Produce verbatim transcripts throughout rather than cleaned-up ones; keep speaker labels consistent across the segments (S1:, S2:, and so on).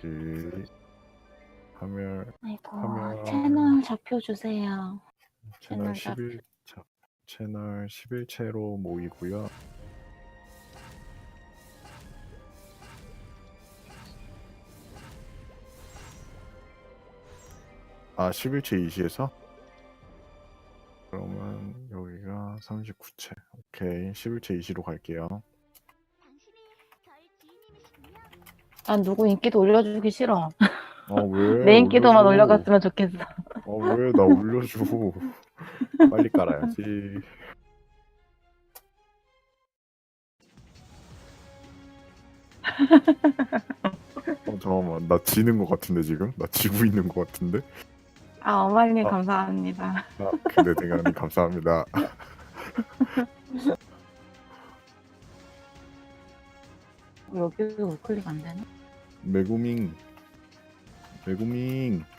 S1: 오케이. 화면
S2: 아이고
S1: 화면
S2: 채널 좌표 주세요.
S1: 채널
S2: 채널 좌표.
S1: 십일 자, 채널 십일 채로 모이고요. 아, 십일 채 이시에서? 그러면 여기가 삼십구 채. 오케이. 십일 채 이시로 갈게요.
S2: 난 누구 인기도 올려주기 싫어.
S1: 어, 왜?
S2: 내 인기도만
S1: 올려줘.
S2: 올려갔으면 좋겠어.
S1: 어, 왜? 나 올려줘. 빨리 깔아야지. 어, 잠깐만. 나 지는 것 같은데, 지금? 나 지고 있는 것 같은데?
S2: 아 어머님
S1: 아.
S2: 감사합니다.
S1: 아, 근데 대장님 감사합니다.
S2: 여기도 우클릭 안 되나?
S1: 메구밍. 메구밍.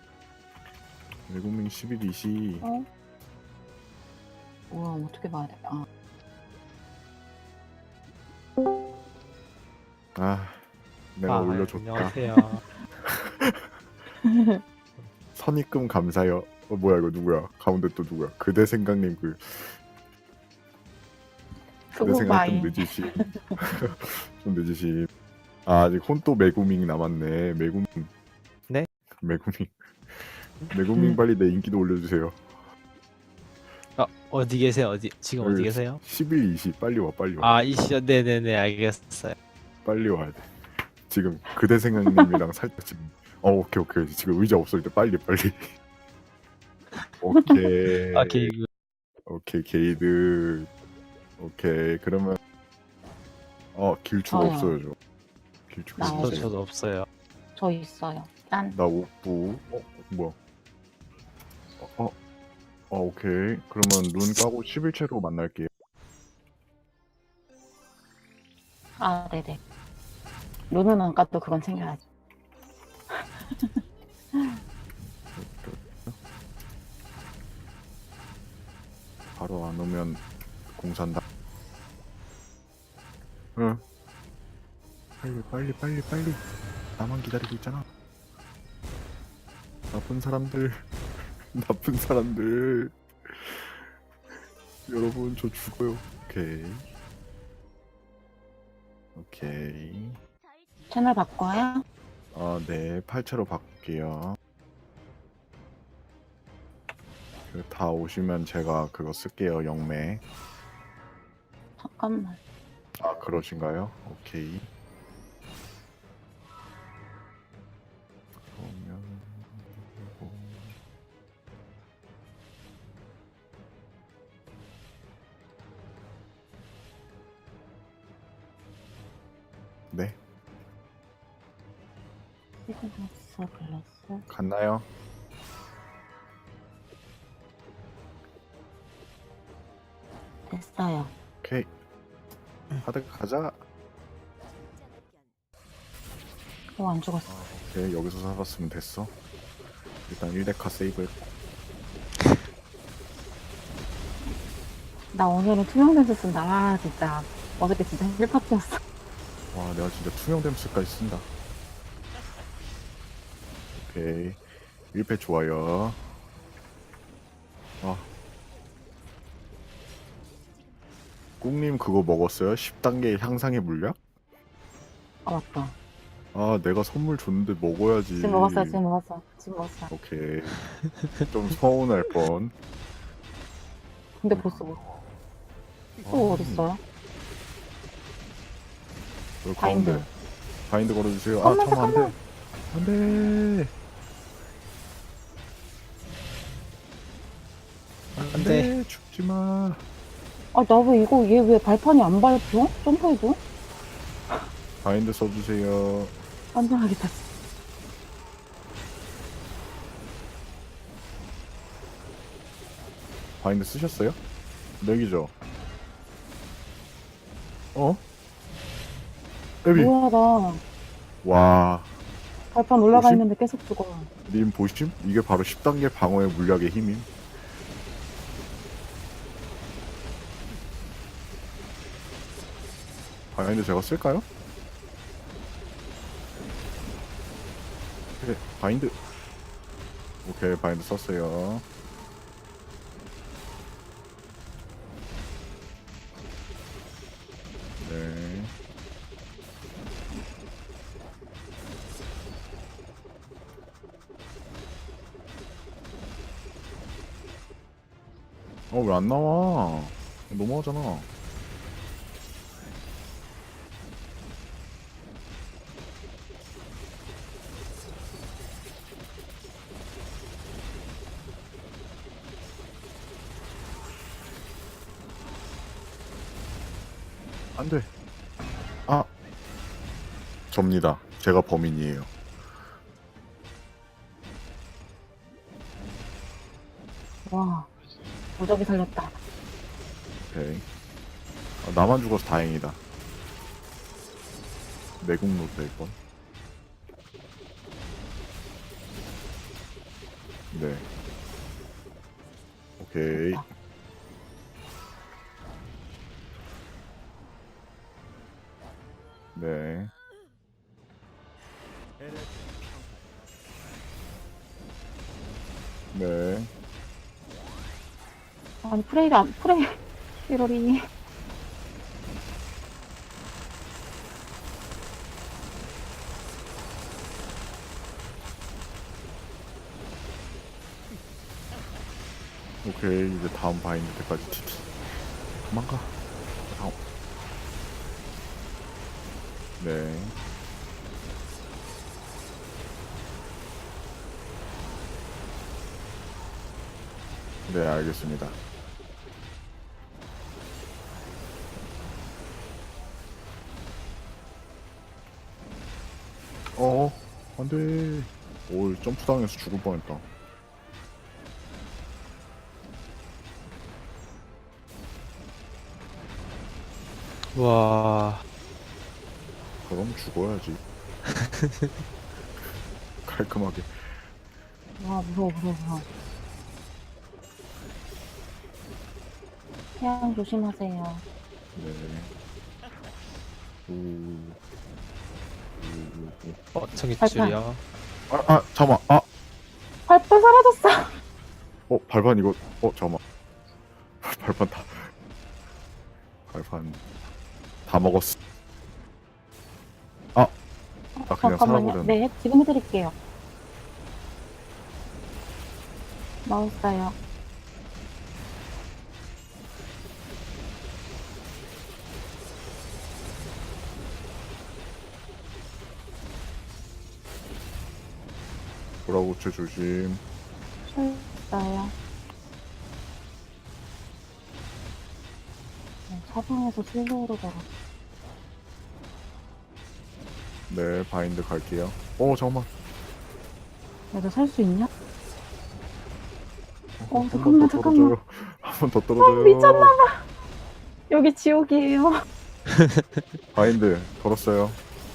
S1: 메구밍 십일 이시.
S2: 어? 우와 어떻게 봐야 돼? 아.
S1: 아, 내가
S3: 아,
S1: 올려줬다.
S3: 안녕하세요.
S1: 선입금 감사요. 어, 뭐야 이거 누구야? 가운데 또 누구야? 그대 생각님 그 그대
S2: 그거
S1: 생각 좀
S2: 마이.
S1: 늦으시. 좀 늦으시. 아, 아직 혼또 메구밍 남았네. 메구밍.
S3: 네?
S1: 메구밍. 메구밍 빨리 내 인기도 올려주세요.
S3: 아, 어디 계세요? 어디 지금 어디 계세요?
S1: 십일 이시 빨리 와 빨리 와.
S3: 아, 이시요. 네네네, 알겠어요.
S1: 빨리 와야 돼. 지금 그대 생각님이랑 살짝 지금. 어, 오케이 오케이. 지금 의자 없을 때 빨리 빨리. 오케이.
S3: 아, 개그.
S1: 오케이 게이드. 오케이 그러면 어 길추가
S2: 저요.
S1: 없어요 저. 길추가
S2: 나요.
S3: 저
S1: 없어요.
S3: 저도 없어요.
S2: 저 있어요. 짠.
S1: 나 옥부. 어 뭐야? 어, 어, 어 오케이. 그러면 눈 까고 십일 채로 만날게요.
S2: 아 네네. 룬은 안 까도 그건 챙겨야지.
S1: 바로 안 오면 공산다. 응. 빨리 빨리 빨리 빨리. 나만 기다리고 있잖아. 나쁜 사람들. 나쁜 사람들. 여러분 저 죽어요. 오케이. 오케이.
S2: 채널 바꿔요?
S1: 아, 네. 팔 채로 바꿀게요. 그 다 오시면 제가 그거 쓸게요. 영매.
S2: 잠깐만.
S1: 아, 그러신가요? 오케이. 그러면 이거 네.
S2: 시그너스 글래스.
S1: 갔나요?
S2: 됐어요.
S1: 오케이. 하드 가자.
S2: 어, 안 죽었어.
S1: 아, 오케이. 여기서 살았으면 됐어. 일단 일 데카 세이브.
S2: 나 오늘은 투명 렌즈 쓴다. 아, 진짜. 어저께 진짜 힐파티였어.
S1: 와, 내가 진짜 투명 댐스까지 쓴다. 오케이. 일 패 좋아요. 아. 꿍님 그거 먹었어요? 십 단계 향상의 물약?
S2: 아, 맞다.
S1: 아, 내가 선물 줬는데 먹어야지.
S2: 지금 먹었어요, 지금 먹었어. 지금 먹었어.
S1: 오케이. 좀 서운할 뻔.
S2: 근데 보스 뭐. 또 어딨어요?
S1: 여기
S2: 바인드.
S1: 가운데. 바인드 걸어주세요. 아,
S2: 잠깐만,
S1: 잠깐만, 안 돼. 안 돼. 안 돼. 죽지 마.
S2: 아, 나 왜 이거, 얘 왜 발판이 안 밟혀? 점프해도?
S1: 바인드 써주세요.
S2: 안전하겠다.
S1: 바인드 쓰셨어요? 맥이죠? 어? 에비.
S2: 뭐야, 나.
S1: 와.
S2: 발판 올라가
S1: 뭐지?
S2: 있는데 계속 죽어.
S1: 님 보심? 이게 바로 십 단계 방어의 물약의 힘임. 바인드 제가 쓸까요? 오케이 바인드. 오케이 바인드 썼어요. 네. 어 왜 안 나와? 너무하잖아. 안 돼. 아. 접니다. 제가 범인이에요.
S2: 와, 무적이 살렸다.
S1: 오케이. 아, 나만 죽어서 다행이다. 내국노 될 건. 네. 오케이.
S2: 됐다.
S1: 네. 네.
S2: 아니, 프레이가 안, 프레이, 이러리.
S1: 오케이. 이제 다음 바인드 때까지 치 도망가. 다음. 네. 네, 알겠습니다. 어, 안 돼. 오, 점프 당해서 죽을 뻔했다.
S3: 와.
S1: 그럼 죽어야지. 깔끔하게.
S2: 와, 무서워, 무서워, 무서워. 태양 조심하세요.
S1: 네. 오. 오, 오,
S3: 어, 청기줄이야.
S1: 오. 아, 아, 잠깐만. 아,
S2: 발판 사라졌어!
S1: 어, 발판 이거. 어, 잠깐만. 발판 다. 발판 다 먹었어. 아, 아 그냥
S2: 잠깐만요.
S1: 살아버렸네.
S2: 네, 지금 해드릴게요. 나왔어요.
S1: 보라고체 조심.
S2: 출했어요. 사방에서 슬로우로 걸어.
S1: 네, 바인드 갈게요. 어, 잠깐만.
S2: 내가 살 수 있냐? 어,
S1: 한
S2: 잠깐만,
S1: 번 더
S2: 잠깐만.
S1: 떨어져요. 한 번 더 떨어져요.
S2: 미쳤나봐. 여기 지옥이에요.
S1: 바인드 걸었어요.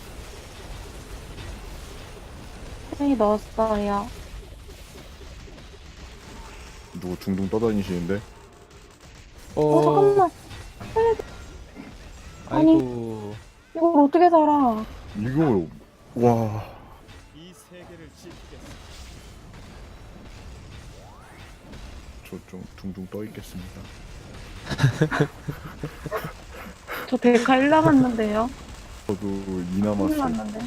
S2: 트레이 넣었어요.
S1: 누구 둥둥 떠다니시는데?
S2: 어, 잠깐만.
S3: 아이고.
S2: 이걸 어떻게 살아?
S1: 이거 와.
S4: 이 세계를 지키겠어.
S1: 저 좀 둥둥 떠 있겠습니다.
S2: 저 데카 일 남았는데요.
S1: 저도 이
S2: 큰일
S1: 남았어요.
S2: 났는데.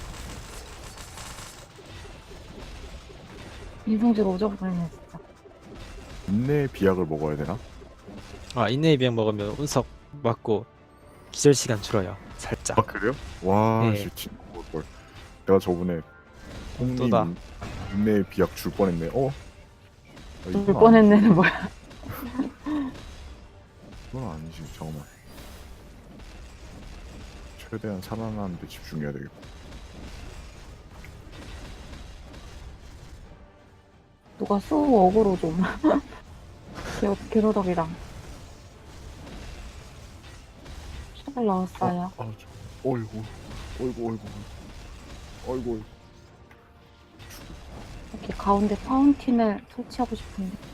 S2: 인성질 오져버리네, 진짜.
S1: 인내의 비약을 먹어야 되나?
S3: 아, 인내의 비약 먹으면 운석 맞고 기절 시간 줄어요. 살짝.
S1: 아 그래요? 와,
S3: 네.
S1: 씨 친구 볼 걸. 내가 저번에 홍님
S3: 또다.
S1: 인내의 비약 줄 뻔했네. 어? 아, 이건
S2: 울 뻔했네는 뭐야.
S1: 아니- 이건 아니지. 잠깐만. 최대한 살아나는 데 집중해야 되겠고.
S2: 누가 수 어그로 좀. 개, 개로덕이랑. 잘 나왔어요.
S1: 아, 저, 어이구, 어이구, 어이구, 어이구, 어이구.
S2: 이렇게 가운데 파운틴을 설치하고 싶은데.